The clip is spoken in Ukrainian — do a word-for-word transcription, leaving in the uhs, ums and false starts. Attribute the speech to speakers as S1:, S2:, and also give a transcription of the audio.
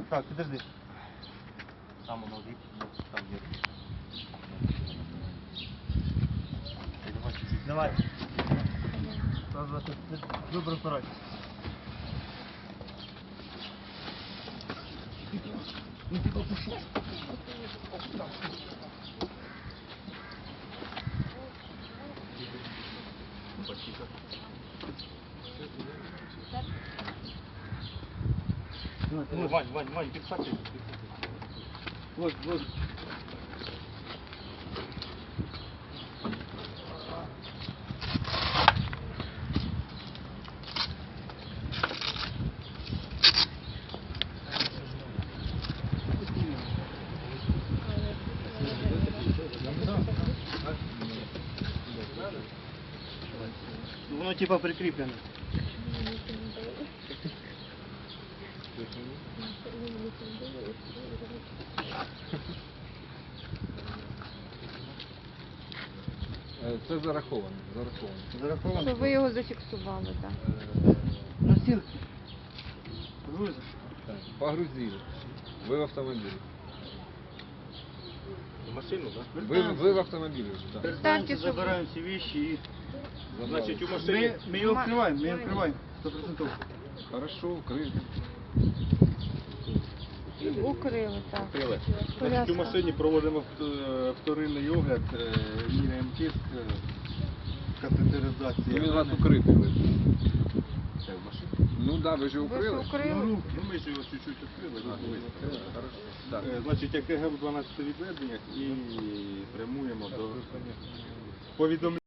S1: Так, подожди.
S2: Там воно вік, там є.
S1: Давай. Раз, два, три. Выбор второй. Ну ты попуши.
S2: Вань, Вань, Вань, підхвати.
S1: Вот, вот. Воно типа прикріплено.
S3: Це зараховано, зараховано.
S1: Зараховано.
S4: Що ви його зафіксували, так?
S1: Носилки. Грузиш.
S3: Так, погрузили. Ви в автомобілі.
S2: В машину, так?
S3: Ви, ви в автомобілі вже, так.
S1: Представьте,
S4: щоб-
S1: забираем все вещи и...
S2: Значить, у
S1: Мы,
S2: машині...
S1: мы ее открываем, мы ее открываем. Сто процентов.
S3: Хорошо, вкрито.
S4: Укрили, так.
S2: Крили. Значить, у
S4: Коляска.
S2: машині проводимо е, вторинний огляд, е, міряємо тиск, е, катетеризація.
S3: Він у вас укритий лежить.
S2: Це в машині.
S3: Ну так, да, ви ж
S4: Ви ж
S3: укрили.
S4: укрили.
S2: Ну, ми ж його чуть-чуть відкрили,
S3: А,
S2: розбили.
S3: хорошо. Так.
S2: Е, Значить, як ЕГЕ в дванадцяти відведеннях і прямуємо до повідомлення.